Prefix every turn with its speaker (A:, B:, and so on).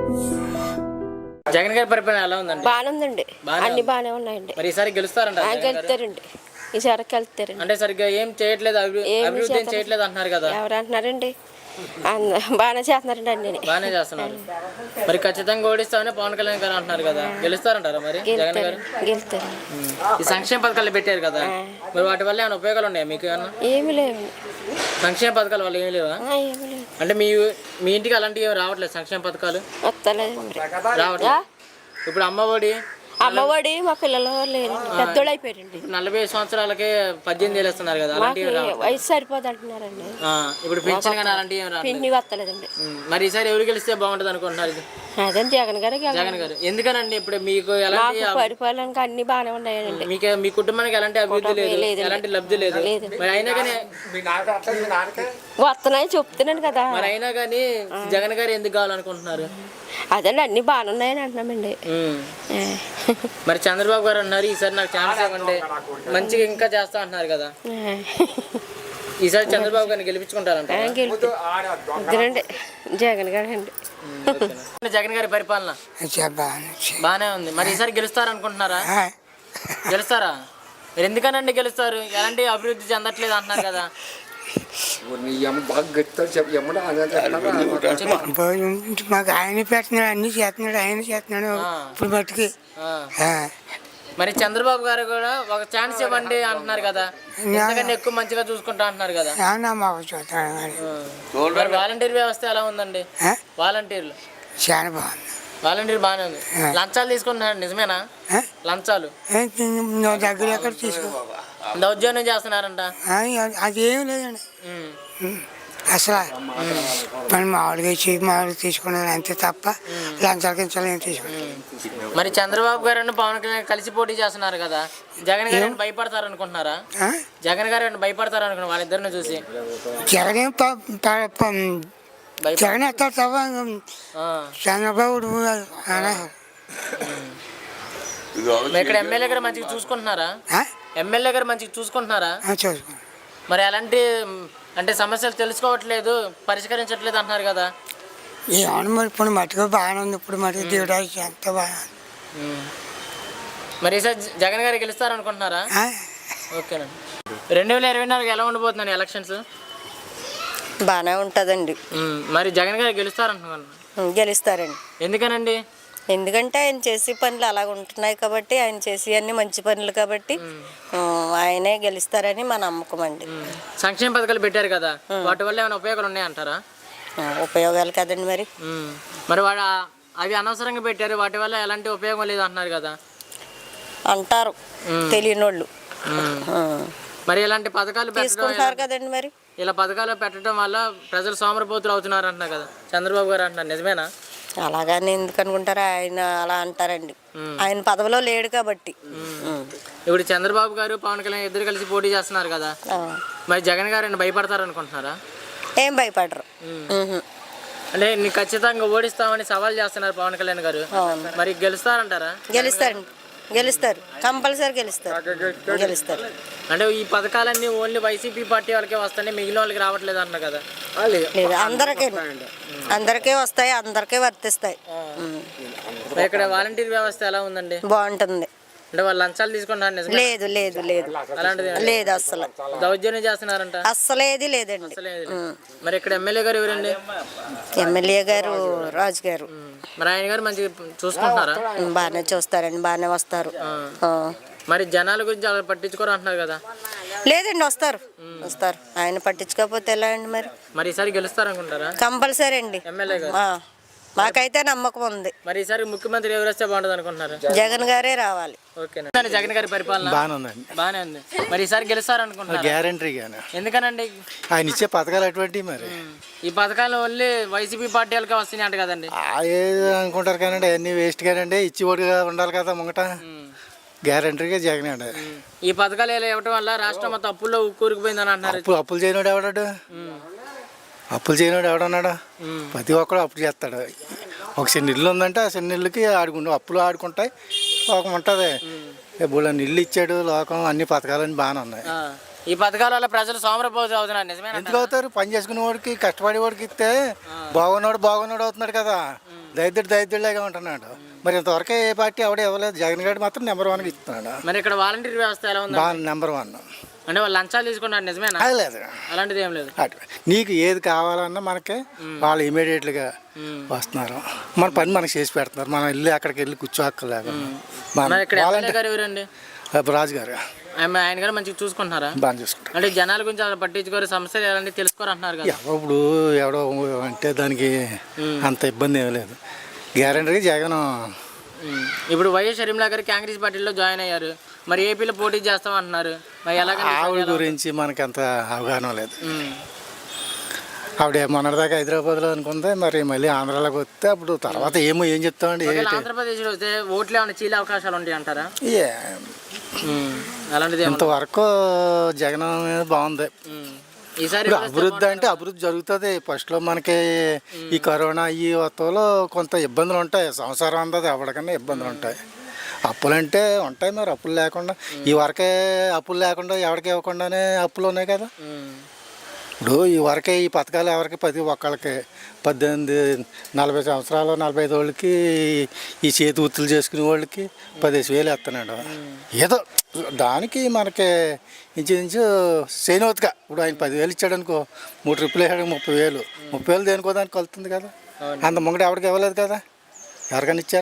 A: జగన్ గారి పరిపాలన ఎలా ఉందండి?
B: బాగానే ఉందండి, అన్ని బాగానే ఉన్నాయండి.
A: మరి ఈసారి గెలుస్తారంట?
B: గెలుస్తారండి, ఈసారి వెళ్తారండి.
A: అంటే సరిగ్గా ఏం చేయట్లేదు, అభివృద్ధి ఏం చేయట్లేదు అంటున్నారు కదా.
B: ఎవరు అంటున్నారండి? బాగానే చేస్తున్నారండి, అన్ని
A: బాగానే చేస్తున్నారు. మరి ఖచ్చితంగా ఓడిస్తామని పవన్ కళ్యాణ్ గారు అంటున్నారు కదా, గెలుస్తారంటారా మరి జగన్ గారు?
B: గెలుస్తారు.
A: ఈ సంక్షేమ పథకాలు పెట్టారు కదా, మరి వాటి వల్ల ఏమైనా ఉపయోగాలు ఉన్నాయా మీకు?
B: ఏమి లేవు.
A: సంక్షేమ పథకాల వల్ల ఏమి లేవా? అంటే మీ ఇంటికి అలాంటివి ఏమి రావట్లేదు సంక్షేమ పథకాలు? రావట్లేదు. ఇప్పుడు
B: అమ్మఒడి మా పిల్లలు లేరు, పెద్దోళ్ళు అయిపోయారండి.
A: 40 సంవత్సరాలకే 18,000 ఇస్తున్నారు కదా,
B: వయసు సరిపోదు అంటున్నారండి.
A: ఇప్పుడు పెన్షన్ కానీ అలాంటివి
B: పిండి వస్తలేదండి.
A: మరి ఈసారి ఎవరు గెలిస్తే బాగుంటుంది అనుకుంటున్నారు?
B: అదే జగన్ గారు.
A: ఎందుకనండి? ఇప్పుడు మీకు ఎలాంటి
B: పరిపాలనకి అన్ని బాగానే ఉన్నాయండి.
A: మీ కుటుంబానికి ఎలాంటి అభివృద్ధి లేదు, ఎలాంటి లబ్ధి లేదు. మరి అయినా కానీ
B: వస్తున్నాయి చెప్తున్నాను కదా.
A: మరి అయినా కానీ జగన్ గారు ఎందుకు కావాలనుకుంటున్నారు?
B: అదండి అన్ని బాగానే ఉన్నాయని అంటున్నామండి.
A: మరి చంద్రబాబు గారు అన్నారు ఈసారి నాకు ఛాన్స్ ఇవ్వండి, మంచిగా ఇంకా చేస్తా అంటున్నారు కదా. ఈసారి చంద్రబాబు గారిని గెలిపించుకుంటారంట?
B: జగన్ గారు అండి.
A: జగన్ గారి పరిపాలన బాగానే ఉంది. మరి ఈసారి గెలుస్తారనుకుంటున్నారా? గెలుస్తారా? మీరు ఎందుకనండి గెలుస్తారు? ఎలాంటి అభివృద్ధి చెందట్లేదు అంటున్నారు కదా.
C: మాకు ఆయన పెట్టినాడు, అన్ని చేస్తున్నాడు, ఆయన చేస్తున్నాడు ఇప్పుడు బట్టికి.
A: మరి చంద్రబాబు గారు కూడా ఒక ఛాన్స్ ఇవ్వండి అంటున్నారు కదా, ఎందుకంటే ఎక్కువ మంచిగా చూసుకుంటా అంటున్నారు కదా. మరి వాలంటీర్ వ్యవస్థ ఎలా ఉందండి? వాలంటీర్లు
C: చాలా బాగుంది.
A: వాలంటీర్ బాగానే ఉంది. లంచాలు తీసుకుంటున్నారు, నిజమేనా? లంచాలు
C: దగ్గర ఎక్కడ తీసుకో
A: దౌర్జన్యం చేస్తున్నారంట.
C: అదేం లేదండి అసలు. మనం మామూలుగా తీసుకున్నది అంతే తప్ప లంచాల కించాలు ఏం తీసుకున్నాం.
A: మరి చంద్రబాబు గారు పవన్ కళ్యాణ్ కలిసి పోటీ చేస్తున్నారు కదా, జగన్ గారు భయపడతారు అనుకుంటున్నారా? జగన్ గారు భయపడతారు అనుకున్నారు వాళ్ళిద్దరిని చూసి?
C: జగన్ జగన్ ఎత్తాడు తప్ప చంద్రబాబు
A: ఇక్కడ ఎమ్మెల్యే గారు మంచిగా చూసుకుంటున్నారా? ఎమ్మెల్యే గారు మంచిగా చూసుకుంటున్నారా? మరి ఎలాంటి అంటే సమస్యలు తెలుసుకోవట్లేదు, పరిష్కరించట్లేదు అంటున్నారు కదా.
C: ఏమన్నా మరి ఇప్పుడు మట్టుకు బాగానే ఉంది, ఇప్పుడు మటుకు దేవుడు ఎంత బాగా.
A: మరి ఈసారి జగన్ గారు గెలుస్తారు అనుకుంటున్నారా? ఓకేనండి. 2024 ఎలా ఉండబోతుందండి ఎలక్షన్స్?
B: బాగానే ఉంటుందండి.
A: మరి జగన్ గారు గెలుస్తారంటున్నారు?
B: గెలుస్తారండి.
A: ఎందుకనండి?
B: ఎందుకంటే ఆయన చేసే పనులు అలాగ ఉంటున్నాయి కాబట్టి, ఆయన చేసే అన్ని మంచి పనులు కాబట్టి ఆయనే గెలుస్తారని మా నమ్మకం అండి.
A: సంక్షేమ పథకాలు పెట్టారు కదా, వాటి వల్ల ఏమైనా ఉపయోగాలు ఉన్నాయంటారా?
B: ఉపయోగాలు కదండి మరి.
A: మరి అవి అనవసరంగా పెట్టారు, వాటి వల్ల ఎలాంటి ఉపయోగం లేదు అంటున్నారు కదా.
B: అంటారు తెలియని వాళ్ళు.
A: మరి ఇలాంటి పథకాలు
B: తీసుకుంటారు కదండి. మరి
A: ఇలా పథకాలు పెట్టడం వల్ల ప్రజలు సోమరిపోతులు అవుతున్నారు అంటున్నారు కదా చంద్రబాబు గారు అంటున్నారు, నిజమేనా?
B: అలాగని ఎందుకు అనుకుంటారా? ఆయన అలా అంటారండి, ఆయన పదవిలో లేడు కాబట్టి.
A: ఇప్పుడు చంద్రబాబు గారు పవన్ కళ్యాణ్ ఇద్దరు కలిసి పోటీ చేస్తున్నారు కదా, మరి జగన్ గారు భయపడతారు అనుకుంటున్నారా?
B: ఏం భయపడరు.
A: అంటే నీకు ఖచ్చితంగా ఓడిస్తామని సవాల్ చేస్తున్నారు పవన్ కళ్యాణ్ గారు, మరి గెలుస్తారంటారా?
B: గెలుస్తారు, కంపల్సరీ గెలుస్తారు.
A: అంటే ఈ పథకాలన్నీ ఓన్లీ వైసీపీ పార్టీ వాళ్ళకే వస్తాయి, మిగిలిన వాళ్ళకి రావట్లేదు అన్నారు కదా.
B: లేదు, అందరికీ వస్తాయి, అందరికీ వర్తిస్తాయి.
A: ఇక్కడ వాలంటీర్ వ్యవస్థ ఎలా ఉందండి?
B: బాగుంటుంది.
A: అంటే వాళ్ళు లంచాలు తీసుకుంటారు?
B: లేదు లేదు లేదు, అలాంటిది లేదు. అస్సలు
A: దౌర్జన్యం చేస్తున్నారంట?
B: అస్సలేది లేదండి.
A: మరి ఇక్కడ ఎమ్మెల్యే గారు ఎవరండి?
B: ఎమ్మెల్యే గారు రాజు గారు.
A: మరి ఆయన గారు మంచిగా చూసుకుంటున్నారా?
B: బాగానే చూస్తారండి, బాగానే వస్తారు.
A: మరి జనాల గురించి అలా పట్టించుకోరు అంటున్నారు కదా.
B: లేదండి, వస్తారు. ఆయన పట్టించుకోకపోతే ఎలా అండి? మరి
A: ఈసారి గెలుస్తారనుకుంటారా?
B: కంపల్సరీ అండి,
A: ఎమ్మెల్యే గారు.
B: మాకైతే నమ్మకం ఉంది.
A: మరి ఈసారి ముఖ్యమంత్రి ఎవరు వస్తే బాగుంటుంది అనుకుంటున్నారు?
B: జగన్ గారే రావాలి.
A: ఓకేనా? జగన్ గారి పరిపాలన బాగానే ఉంది. మరి ఈసారి గెలుస్తారనుకుంటున్నారు?
D: గ్యారంటీగానే.
A: ఎందుకనండి?
D: ఆయన ఇచ్చే పథకాలు అటువంటి. మరి
A: ఈ పథకాలు ఓన్లీ వైసీపీ పార్టీ వాళ్ళకే వస్తున్నాయి అంట కదండి.
D: ఏది అనుకుంటారు కానీ అన్ని వేస్ట్ కానండి, ఇచ్చి ఓడిగా ఉండాలి కదా ముంగట. గ్యారంటీగా జగన్ అండి.
A: ఈ పథకాలు ఇవ్వటం వల్ల రాష్ట్రం మొత్తం అప్పుల్లో కూరుకుపోయిందని అంటున్నారు.
D: అప్పులు చేయనోడు ఎవడాడు? అప్పులు చేయనోడు ఎవడన్నాడు? ప్రతి ఒక్కడు అప్పులు చేస్తాడు. ఒక చిన్న ఇల్లు ఉందంటే ఆ చిన్న ఇల్లుకి అప్పులు ఆడుకుంటాయి, లోకం ఉంటుంది. ఇప్పుడు ఇల్లు ఇచ్చాడు లోకం, అన్ని పథకాలన్నీ బాగానే ఉన్నాయి.
A: ఈ పథకాల వల్ల ప్రజలు సోమరపోతు అవుతున్నారు నిజమేనా?
D: ఎందుకు అవుతారు? పని చేసుకునే వాడికి కష్టపడే వాడికి ఇస్తే బాగున్నాడు అవుతున్నాడు కదా. దరిద్రులాగా ఉంటున్నాడు. మరి ఇంతవరకు ఏ పార్టీ ఎవడ ఇవ్వలేదు. జగన్ గారు మాత్రం నెంబర్ 1 ఇస్తున్నాడు.
A: మరి ఇక్కడ వాలంటీర్ వ్యవస్థ ఎలా ఉంది?
D: నెంబర్ 1.
A: అంటే వాళ్ళు లంచాలు తీసుకున్నారు నిజమేనా?
D: అది లేదు.
A: అలాంటిది ఏం లేదు.
D: నీకు ఏది కావాలన్నా మనకి వాళ్ళు ఇమీడియట్గా వస్తున్నారు. మన పని మనకి చేసి పెడుతున్నారు. మనం వెళ్ళి అక్కడికి వెళ్ళి కూర్చోక్కర్లేదు.
A: మరి ఇక్కడ ఎమ్మెల్యే గారు ఎవరండి?
D: రాజు గారు.
A: ఆయన గారు మంచిగా చూసుకుంటున్నారా?
D: బాగా చూసుకుంటారు.
A: అంటే జనాల గురించి అలా పట్టించుకోరు, సమస్యలు ఎలాంటి తెలుసుకోరు అంటున్నారు కదా.
D: ఇప్పుడు ఎవడో అంటే దానికి అంత ఇబ్బంది ఏమీ లేదు. గ్యారంటీగా జగన్.
A: ఇప్పుడు వైఎస్ షర్మిలా గారు కాంగ్రెస్ పార్టీలో జాయిన్ అయ్యారు. మరి ఏపీలో పోటీ చేస్తాం అంటున్నారు. మరి
D: ఆవిడ గురించి మనకి అంత అవగాహన లేదు. ఆవిడ మొన్నటిదాకా హైదరాబాద్లో అనుకుంది. మరి మళ్ళీ ఆంధ్రాలోకి వస్తే అప్పుడు తర్వాత ఏం చెప్తామండి.
A: ఆంధ్రప్రదేశ్లో వస్తే ఓట్లు ఏమైనా చీలే అవకాశాలు ఉంటాయి అంటారా? అలాంటిది
D: ఇంతవరకు జగన్ మీద బాగుంది.
A: ఈసారి
D: అభివృద్ధి అంటే అభివృద్ధి జరుగుతుంది. ఫస్ట్లో మనకి ఈ కరోనా ఈ వత్తులో కొంత ఇబ్బందులు ఉంటాయి. సంవత్సరం అందది ఎవరికన్నా ఇబ్బందులు ఉంటాయి. అప్పులంటే ఉంటాయి. మరి అప్పులు లేకుండా ఈ వరకే అప్పులు లేకుండా ఎవరికి ఇవ్వకుండానే అప్పులు ఉన్నాయి కదా. ఇప్పుడు ఈ వరకే ఈ పథకాలు ఎవరికి ప్రతి ఒక్కళ్ళకి 18-40 సంవత్సరాలు 45 వాళ్ళకి ఈ చేతి వృత్తులు చేసుకునే వాళ్ళకి 15,000 ఇస్తున్నాడు. ఏదో దానికి మనకి ఇంచుమించు చేయనవుతుగా. ఇప్పుడు ఆయన 10,000 ఇచ్చాడు అనుకో, 3 ట్రిప్పులు వేసాడు 30,000. 30,000 దేనికో దానికి కలుతుంది కదా. అంత ముంగట ఎవరికి ఇవ్వలేదు కదా. ఎవరికైనా ఇచ్చారు.